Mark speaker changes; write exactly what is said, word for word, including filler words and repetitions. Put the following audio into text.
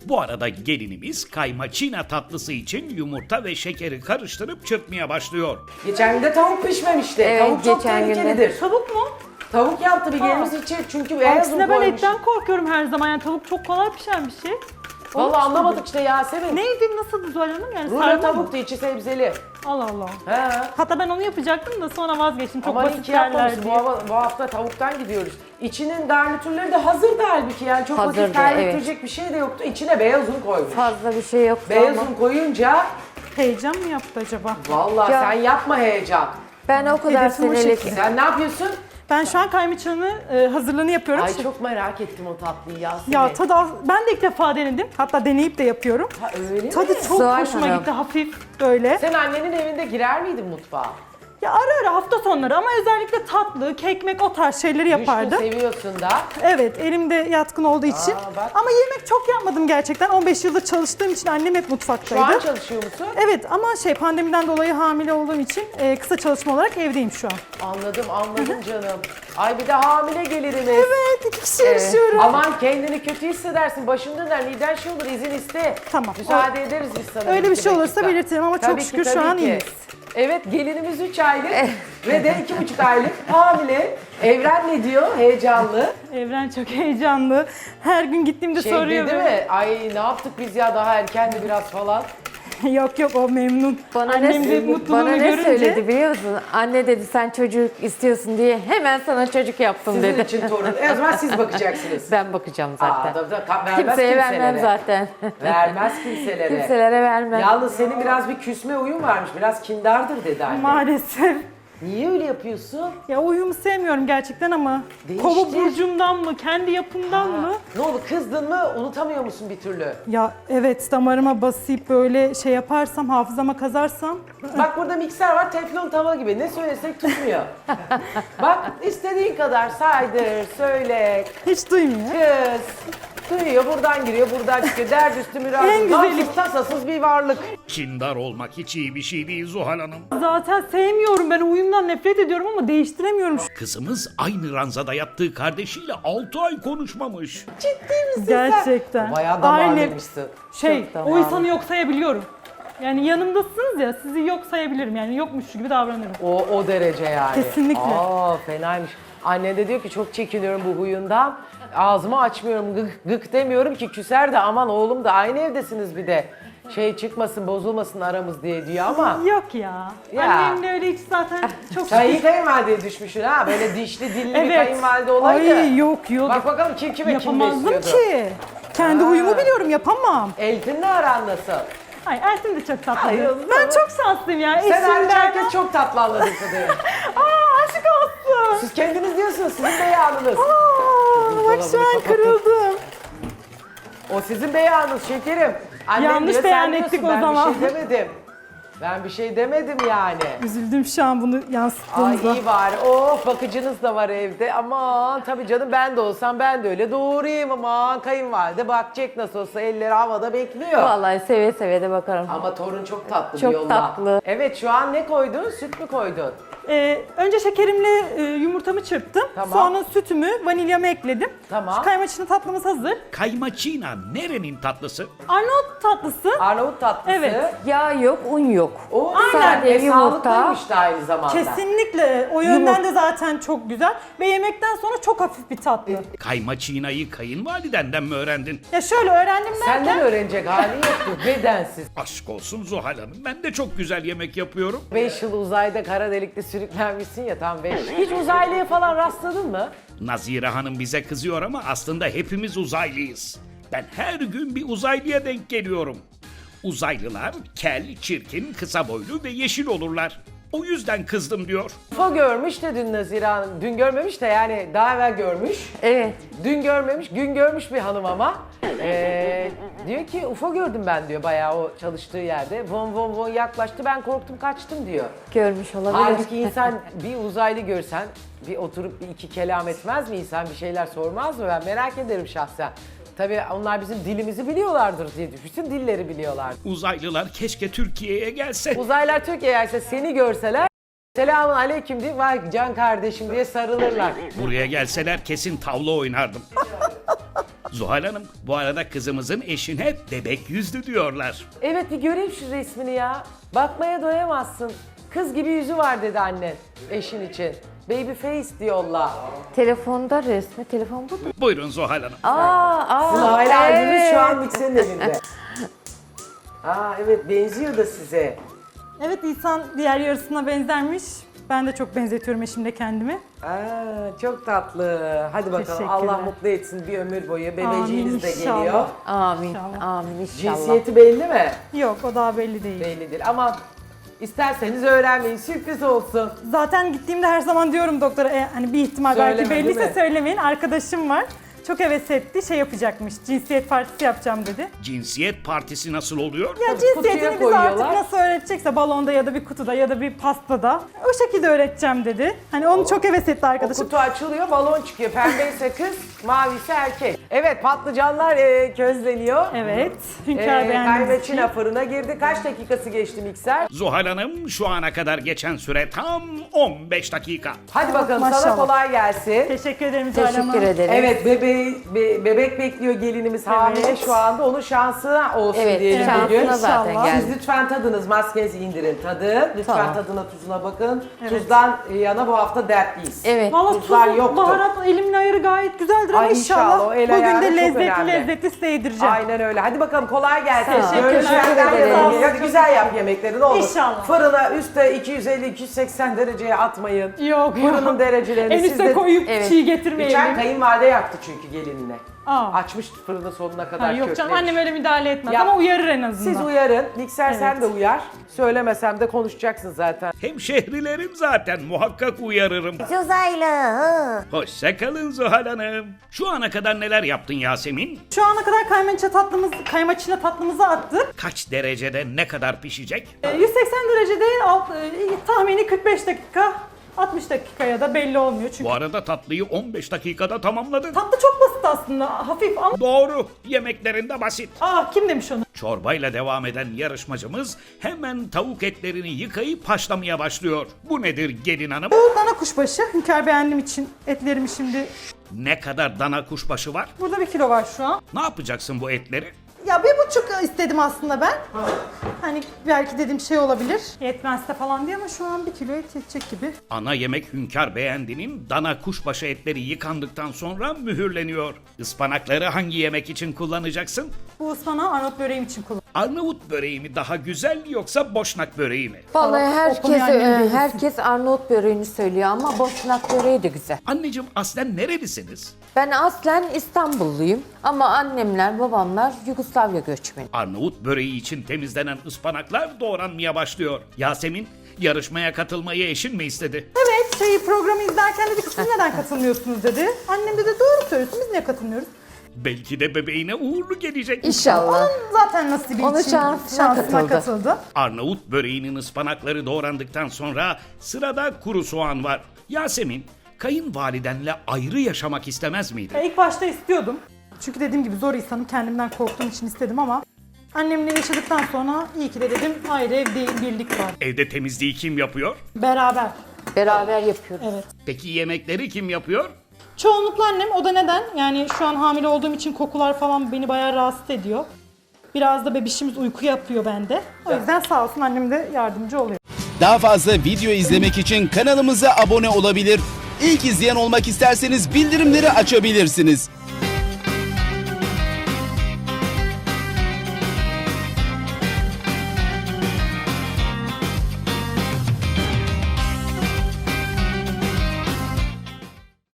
Speaker 1: Bu arada gelinimiz kaymaçina tatlısı için yumurta ve şekeri karıştırıp çırpmaya başlıyor.
Speaker 2: Geçen gün de tavuk pişmemişti.
Speaker 3: Evet,
Speaker 2: tavuk çok
Speaker 3: geçen gün de.
Speaker 2: tehlikelidir.
Speaker 4: Tavuk mu?
Speaker 2: Tavuk yaptı bir gelimiz için çünkü beyaz un
Speaker 4: Aksine ben
Speaker 2: koymuş.
Speaker 4: etten korkuyorum her zaman. Yani tavuk çok kolay pişen bir şey.
Speaker 2: Vallahi anlamadık işte Yasemin.
Speaker 4: Neydi, nasıldı Zuhal Hanım? Yani
Speaker 2: Rulo
Speaker 4: sarma mı?
Speaker 2: tavuktu, içi sebzeli.
Speaker 4: Allah Allah.
Speaker 2: He.
Speaker 4: Hatta ben onu yapacaktım da sonra vazgeçtim. Çok
Speaker 2: Aman
Speaker 4: basit
Speaker 2: iki
Speaker 4: derler
Speaker 2: yapmamışsın. Bu,
Speaker 4: diye.
Speaker 2: hava- bu hafta tavuktan gidiyoruz. İçinin garnitürleri de hazırdı halbuki yani çok vakit
Speaker 3: Hazırdı,
Speaker 2: kaybettirecek bir şey de yoktu. İçine beyaz un koymuş.
Speaker 3: Fazla bir şey yoktu
Speaker 2: Beyaz
Speaker 3: ama
Speaker 2: un koyunca
Speaker 4: Heyecan mı yaptı acaba?
Speaker 2: vallahi
Speaker 3: Ya.
Speaker 2: sen yapma heyecan.
Speaker 3: ben o kadar
Speaker 4: Hedefim o
Speaker 3: senelik
Speaker 4: şekilde.
Speaker 2: Sen ne yapıyorsun?
Speaker 4: Ben şu an kaymaçanı e, hazırlığını yapıyorum.
Speaker 2: Ay çok merak ettim o tatlıyı Yasemin.
Speaker 4: Ya tadı az- ben de ilk defa denedim. Hatta deneyip de yapıyorum.
Speaker 2: Ha, öyle
Speaker 4: Tadı
Speaker 2: mi?
Speaker 4: çok
Speaker 3: Zuhal
Speaker 4: hoşuma
Speaker 3: Hanım.
Speaker 4: gitti, hafif böyle.
Speaker 2: Sen annenin evinde girer miydin mutfağa?
Speaker 4: Ya ara ara hafta sonları ama özellikle tatlı, kekmek o tarz şeyleri yapardı.
Speaker 2: Düşkün seviyorsun da.
Speaker 4: Evet, elimde yatkın olduğu için.
Speaker 2: Aa, bak.
Speaker 4: Ama yemek çok yapmadım gerçekten. on beş yıldır çalıştığım için annem hep
Speaker 2: Şu
Speaker 4: mutfaktaydı.
Speaker 2: an çalışıyor musun?
Speaker 4: Evet ama şey pandemiden dolayı hamile olduğum için e, kısa çalışma olarak evdeyim şu an.
Speaker 2: Anladım anladım canım. Ay bir de hamile gelirimiz.
Speaker 4: Evet, iki kişi yaşıyorum.
Speaker 2: Aman kendini kötü hissedersin. Başın döner, liden şey olur, izin iste.
Speaker 4: Tamam.
Speaker 2: Müsaade ederiz biz sana.
Speaker 4: Öyle bir
Speaker 2: iki
Speaker 4: şey olursa
Speaker 2: dakika.
Speaker 4: belirtirim ama çok
Speaker 2: Tabii ki,
Speaker 4: şükür şu
Speaker 2: tabii
Speaker 4: an
Speaker 2: ki.
Speaker 4: iyiyiz.
Speaker 2: Evet, gelinimiz üç aylık ve de iki buçuk aylık hamile. Evren ne diyor? Heyecanlı.
Speaker 4: Evren çok heyecanlı. Her gün gittiğimde
Speaker 2: Şey
Speaker 4: soruyor.
Speaker 2: dedi
Speaker 4: böyle.
Speaker 2: mi? Ay ne yaptık biz ya daha erkendi biraz falan.
Speaker 4: Yok yok, o memnun.
Speaker 3: bana
Speaker 4: Annem de
Speaker 3: ne,
Speaker 4: mutluluğumu
Speaker 3: bana ne
Speaker 4: görünce.
Speaker 3: söyledi biliyor musun? Anne dedi sen çocuk istiyorsun diye hemen sana çocuk yaptım
Speaker 2: Sizin
Speaker 3: dedi.
Speaker 2: için torun. E o zaman siz bakacaksınız.
Speaker 3: Ben bakacağım zaten.
Speaker 2: Aa, tabii, tabii. Vermez
Speaker 3: Kimseye
Speaker 2: kimselere.
Speaker 3: vermem zaten.
Speaker 2: Vermez kimselere.
Speaker 3: Kimselere vermem.
Speaker 2: Yalnız senin biraz bir küsme uyum varmış. Biraz kindardır dedi anne.
Speaker 4: Maalesef.
Speaker 2: Niye öyle yapıyorsun?
Speaker 4: Ya uyumu sevmiyorum gerçekten ama
Speaker 2: Değiştir.
Speaker 4: kova burcumdan mı, kendi yapımdan mı?
Speaker 2: Ne oldu kızdın mı unutamıyor musun bir türlü?
Speaker 4: Ya evet, damarıma basıp böyle şey yaparsam, hafızama kazarsam.
Speaker 2: Bak burada mikser var teflon tava gibi ne söylesek tutmuyor. Bak istediğin kadar saydır, söyle,
Speaker 4: Hiç duymuyor.
Speaker 2: kız. Duyuyor buradan giriyor buradan çıkıyor. Dert üstü
Speaker 4: En
Speaker 2: mürasız,
Speaker 4: güzeli.
Speaker 2: gamsız tasasız bir varlık.
Speaker 1: Kindar olmak hiç iyi bir şey değil Zuhal Hanım.
Speaker 4: Zaten sevmiyorum, ben uyumdan nefret ediyorum ama değiştiremiyorum.
Speaker 1: Kızımız aynı ranzada yattığı kardeşiyle altı ay konuşmamış.
Speaker 4: Gerçekten.
Speaker 2: Bayağı
Speaker 4: Aynı
Speaker 2: damarlıymışsın.
Speaker 4: şey,
Speaker 3: Çok
Speaker 4: o
Speaker 3: damarlı.
Speaker 4: insanı yok sayabiliyorum. Yani yanımdasınız ya, sizi yok sayabilirim, yani yokmuş gibi davranırım.
Speaker 2: O, o derece yani.
Speaker 4: Kesinlikle.
Speaker 2: Aa fenaymış. Anne de diyor ki çok çekiniyorum bu huyundan. Ağzımı açmıyorum, gık, gık demiyorum ki küser de aman oğlum da aynı evdesiniz bir de. Şey çıkmasın, bozulmasın aramız diye diyor ama.
Speaker 4: Yok ya.
Speaker 2: Ya.
Speaker 4: Annemle öyle hiç zaten çok
Speaker 2: Sen iyi kayınvalideye düşmüşsün ha. Böyle dişli dilli bir kayınvalide olaydı.
Speaker 4: Ay yok yok.
Speaker 2: Bak bakalım kim kime kim
Speaker 4: Yapamazdım
Speaker 2: besliyordu.
Speaker 4: ki. Kendi
Speaker 2: Ha.
Speaker 4: uyumu biliyorum, yapamam.
Speaker 2: Eltin'le aran nasıl?
Speaker 4: Ay Ersin de çok tatlı.
Speaker 2: Ay,
Speaker 4: Ben çok şanslıyım ya.
Speaker 2: Sen hariç
Speaker 4: Eşimden.
Speaker 2: herkes çok tatlı anladığım kadarıyla.
Speaker 4: Aa, aşk olsun.
Speaker 2: Siz kendiniz diyorsunuz, sizin beyanınız.
Speaker 4: Aa, bak şu an kırıldım.
Speaker 2: O sizin beyanınız şekerim. Annem
Speaker 4: Yanlış
Speaker 2: diyor,
Speaker 4: beyan
Speaker 2: sen diyorsun,
Speaker 4: ettik o
Speaker 2: ben
Speaker 4: zaman.
Speaker 2: bir şey demedim. Ben bir şey demedim yani.
Speaker 4: Üzüldüm şu an bunu
Speaker 2: Ay
Speaker 4: yansıttığınızda.
Speaker 2: iyi bari. Of bakıcınız da var evde. Aman tabii canım ben de olsam ben de öyle doğurayım aman. Kayınvalide bakacak nasıl olsa elleri havada bekliyor.
Speaker 3: Vallahi seve seve de bakarım.
Speaker 2: Ama torun çok tatlı
Speaker 3: Çok
Speaker 2: diyorlar.
Speaker 3: tatlı.
Speaker 2: Evet şu an ne koydun? Süt mü koydun?
Speaker 4: Ee, önce şekerimle e, yumurtamı çırptım.
Speaker 2: Tamam.
Speaker 4: Sonra sütümü, vanilyamı ekledim.
Speaker 2: Tamam.
Speaker 4: Şu kaymaçını tatlımız hazır.
Speaker 1: Kaymaçina nerenin tatlısı?
Speaker 4: Arnavut tatlısı.
Speaker 2: Arnavut tatlısı.
Speaker 4: Evet.
Speaker 3: Yağ yok, un yok.
Speaker 2: O
Speaker 3: Aynen.
Speaker 2: güzel. E,
Speaker 3: Yumurta.
Speaker 2: sağlıklıymış da aynı zamanda.
Speaker 4: Kesinlikle. O yönden de zaten çok güzel. Ve yemekten sonra çok hafif bir tatlı.
Speaker 1: Kaymaçinayı kayınvalidenden mi öğrendin?
Speaker 4: Ya şöyle öğrendim derken.
Speaker 2: Senden öğrenecek hali yoktu. Bedensiz.
Speaker 1: Aşk olsun Zuhal Hanım. Ben de çok güzel yemek yapıyorum.
Speaker 2: beş yıl uzayda kara delikte sürüklenmişsin ya tam beş. Hiç uzaylıya falan rastladın mı?
Speaker 1: Nazire Hanım bize kızıyor ama aslında hepimiz uzaylıyız. Ben her gün bir uzaylıya denk geliyorum. Uzaylılar kel, çirkin, kısa boylu ve yeşil olurlar. O yüzden kızdım diyor.
Speaker 2: U F O görmüş de dün Nazire Hanım. Dün görmemiş de yani daha evvel görmüş.
Speaker 3: Evet.
Speaker 2: Dün görmemiş, gün görmüş bir hanım ama. Ee, diyor ki U F O gördüm ben diyor bayağı o çalıştığı yerde. Von von von yaklaştı ben korktum kaçtım diyor.
Speaker 3: Görmüş olabilir.
Speaker 2: Halbuki insan bir uzaylı görsen bir oturup bir iki kelam etmez mi insan bir şeyler sormaz mı? Ben merak ederim şahsen. Tabii onlar bizim dilimizi biliyorlardır diye düşünsün dilleri biliyorlar.
Speaker 1: Uzaylılar keşke Türkiye'ye gelse.
Speaker 2: Uzaylılar Türkiye'ye gelse seni görseler selamun aleyküm diye vay can kardeşim diye sarılırlar.
Speaker 1: Buraya gelseler kesin tavla oynardım. Zuhal Hanım, bu arada kızımızın eşine bebek yüzlü diyorlar.
Speaker 2: Evet bir göreyim şu resmini ya. Bakmaya doyamazsın. Kız gibi yüzü var dedi annen eşin için. Baby face diyorlar.
Speaker 3: Telefonda resmi, telefon bu da.
Speaker 1: Buyurun Zuhal Hanım.
Speaker 3: Aa, aa.
Speaker 2: Zuhal abimiz
Speaker 3: evet.
Speaker 2: şu an mikserin elinde. Aa evet benziyor da size.
Speaker 4: Evet, İhsan diğer yarısına benzermiş. Ben de çok benzetiyorum eşimle kendimi.
Speaker 2: Aa, çok tatlı. Hadi bakalım
Speaker 4: Teşekkürler.
Speaker 2: Allah mutlu etsin bir ömür boyu. Bebeğiniz
Speaker 4: Amin,
Speaker 2: de
Speaker 4: inşallah.
Speaker 2: geliyor.
Speaker 3: Amin,
Speaker 4: İnşallah.
Speaker 3: amin inşallah.
Speaker 2: Cinsiyeti belli mi?
Speaker 4: Yok, o daha belli değil.
Speaker 2: Belli değil ama isterseniz öğrenmeyin. Sürpriz olsun.
Speaker 4: Zaten gittiğimde her zaman diyorum doktora, e, hani bir ihtimal belki
Speaker 2: Söyleme, değil
Speaker 4: belliyse
Speaker 2: mi?
Speaker 4: söylemeyin. Arkadaşım var. Çok heves etti, şey yapacakmış, cinsiyet partisi yapacağım dedi.
Speaker 1: Cinsiyet partisi nasıl oluyor?
Speaker 4: Ya
Speaker 2: Tabii,
Speaker 4: cinsiyetini
Speaker 2: kutuya
Speaker 4: bize artık
Speaker 2: koyuyorlar.
Speaker 4: nasıl öğretecekse balonda ya da bir kutuda ya da bir pastada o şekilde öğreteceğim dedi. Hani onu çok heves etti
Speaker 2: O
Speaker 4: arkadaşım.
Speaker 2: kutu açılıyor, balon çıkıyor. Pembe ise kız, mavi ise erkek. Evet, patlıcanlar e, közleniyor.
Speaker 4: Evet, Hünkar
Speaker 2: E,
Speaker 4: beğendiğiniz
Speaker 2: Kaymaçina
Speaker 4: için.
Speaker 2: fırına girdi. Kaç dakikası geçti mikser?
Speaker 1: Zuhal Hanım, şu ana kadar geçen süre tam on beş dakika.
Speaker 2: Hadi bakalım sana
Speaker 4: Maşallah.
Speaker 2: kolay gelsin.
Speaker 4: Teşekkür ederim Zuhal Hanım.
Speaker 3: Teşekkür ederim.
Speaker 2: Evet, bebeği, be- bebek bekliyor gelinimiz hamile
Speaker 4: Evet.
Speaker 2: şu anda. Onun şansına olsun
Speaker 3: Evet,
Speaker 2: diyelim
Speaker 3: şansına
Speaker 2: bugün.
Speaker 3: zaten
Speaker 4: İnşallah.
Speaker 2: Siz
Speaker 3: geldi.
Speaker 2: lütfen tadınız, maskenizi indirin, tadın. Lütfen
Speaker 3: Tamam.
Speaker 2: tadına, tuzuna bakın. Tuzdan yana bu hafta dertliyiz.
Speaker 3: Evet.
Speaker 4: Valla
Speaker 2: Tuzlar
Speaker 4: tuzu,
Speaker 2: yoktu.
Speaker 4: baharat elimin ayarı gayet güzeldir ama
Speaker 2: Ay
Speaker 4: inşallah,
Speaker 2: inşallah, o el
Speaker 4: bugün
Speaker 2: ayarı
Speaker 4: de
Speaker 2: çok
Speaker 4: lezzetli
Speaker 2: önemli.
Speaker 4: lezzetli size yedireceğim.
Speaker 2: Aynen öyle. Hadi bakalım kolay gelsin.
Speaker 4: Teşekkürler.
Speaker 2: Görüşmeden
Speaker 3: Teşekkür
Speaker 2: yanılmayın.
Speaker 3: ederim.
Speaker 2: Hadi güzel yap yemekleri ne olur.
Speaker 4: İnşallah.
Speaker 2: Fırına üstte iki yüz elli iki yüz seksen dereceye atmayın.
Speaker 4: Yok
Speaker 2: Fırının
Speaker 4: yok.
Speaker 2: derecelerini
Speaker 4: En
Speaker 2: siz
Speaker 4: üste
Speaker 2: de...
Speaker 4: koyup
Speaker 3: Evet.
Speaker 4: çiğ
Speaker 2: Geçen
Speaker 4: getirmeyelim.
Speaker 2: kayınvalide yaktı çünkü gelinine.
Speaker 4: Aa.
Speaker 2: Açmıştı fırını sonuna kadar
Speaker 4: Ha, yok canım,
Speaker 2: köklemiş.
Speaker 4: annem öyle müdahale etmez
Speaker 2: Ya,
Speaker 4: ama uyarır en azından.
Speaker 2: Siz uyarın. Mikser sen
Speaker 4: Evet.
Speaker 2: de uyar. Söylemesem de konuşacaksın zaten.
Speaker 1: Hemşehrilerim zaten, muhakkak uyarırım.
Speaker 3: Uzaylı.
Speaker 1: Hoşça kalın Zuhal Hanım. Şu ana kadar neler yaptın Yasemin?
Speaker 4: Şu ana kadar kaymaçina tatlımız, kaymaçina tatlımızı attık.
Speaker 1: Kaç derecede ne kadar pişecek?
Speaker 4: Ee, yüz seksen derecede alt, e, tahmini kırk beş dakika, altmış dakikaya da belli olmuyor çünkü.
Speaker 1: Bu arada tatlıyı on beş dakikada tamamladın.
Speaker 4: Tatlı çok basit aslında, hafif ama...
Speaker 1: Doğru, yemeklerinde basit.
Speaker 4: Aa, kim demiş onu?
Speaker 1: Çorbayla devam eden yarışmacımız hemen tavuk etlerini yıkayıp haşlamaya başlıyor. Bu nedir gelin hanım?
Speaker 4: Bu dana kuşbaşı. Hünkar beğendiğim için etlerimi şimdi...
Speaker 1: Ne kadar dana kuşbaşı var?
Speaker 4: Burada bir kilo var şu an.
Speaker 1: Ne yapacaksın bu etleri?
Speaker 4: Ya bir buçuk istedim aslında ben. Hani belki dedim şey olabilir. Yetmezse falan diye ama şu an bir kilo et yetecek gibi.
Speaker 1: Ana yemek Hünkar Beğendi'nin dana kuşbaşı etleri yıkandıktan sonra mühürleniyor. Ispanakları hangi yemek için kullanacaksın?
Speaker 4: Bu ıspanağı Arnavut böreğim için kullanıyorum.
Speaker 1: Arnavut böreği mi daha güzel yoksa Boşnak böreği mi?
Speaker 3: Vallahi
Speaker 4: Tamam,
Speaker 3: herkes
Speaker 4: okumayan
Speaker 3: e,
Speaker 4: yeni bilirsin.
Speaker 3: herkes Arnavut böreğini söylüyor ama Boşnak böreği de güzel.
Speaker 1: Anneciğim aslen nerelisiniz?
Speaker 3: Ben aslen İstanbulluyum ama annemler, babamlar Yugoslavya göçmeni.
Speaker 1: Arnavut böreği için temizlenen ıspanaklar doğranmaya başlıyor. Yasemin, yarışmaya katılmayı eşin mi istedi?
Speaker 4: Evet, şeyi programı izlerken dedi ki siz neden katılmıyorsunuz dedi. Annem de, de doğru söylüyorsun, biz niye katılmıyoruz?
Speaker 1: Belki de bebeğine uğurlu gelecek.
Speaker 3: İnşallah.
Speaker 4: Zaten nasibi
Speaker 3: Onun
Speaker 4: için
Speaker 3: şansına
Speaker 4: şansına
Speaker 3: katıldı.
Speaker 4: katıldı.
Speaker 1: Arnavut böreğinin ıspanakları doğrandıktan sonra sırada kuru soğan var. Yasemin, kayınvalidenle ayrı yaşamak istemez miydin?
Speaker 4: Ya ilk başta istiyordum. Çünkü dediğim gibi zor insanım, kendimden korktuğum için istedim ama annemle yaşadıktan sonra iyi ki de dedim ayrı ev değil, birlik var.
Speaker 1: Evde temizliği kim yapıyor?
Speaker 4: Beraber.
Speaker 3: Beraber yapıyoruz.
Speaker 4: Evet.
Speaker 1: Peki yemekleri kim yapıyor?
Speaker 4: Çoğunlukla annem, o da neden? Yani şu an hamile olduğum için kokular falan beni bayağı rahatsız ediyor. Biraz da bebişimiz uyku yapıyor bende. O yüzden sağ olsun annem de yardımcı oluyor.
Speaker 5: Daha fazla video izlemek için kanalımıza abone olabilir. İlk izleyen olmak isterseniz bildirimleri açabilirsiniz.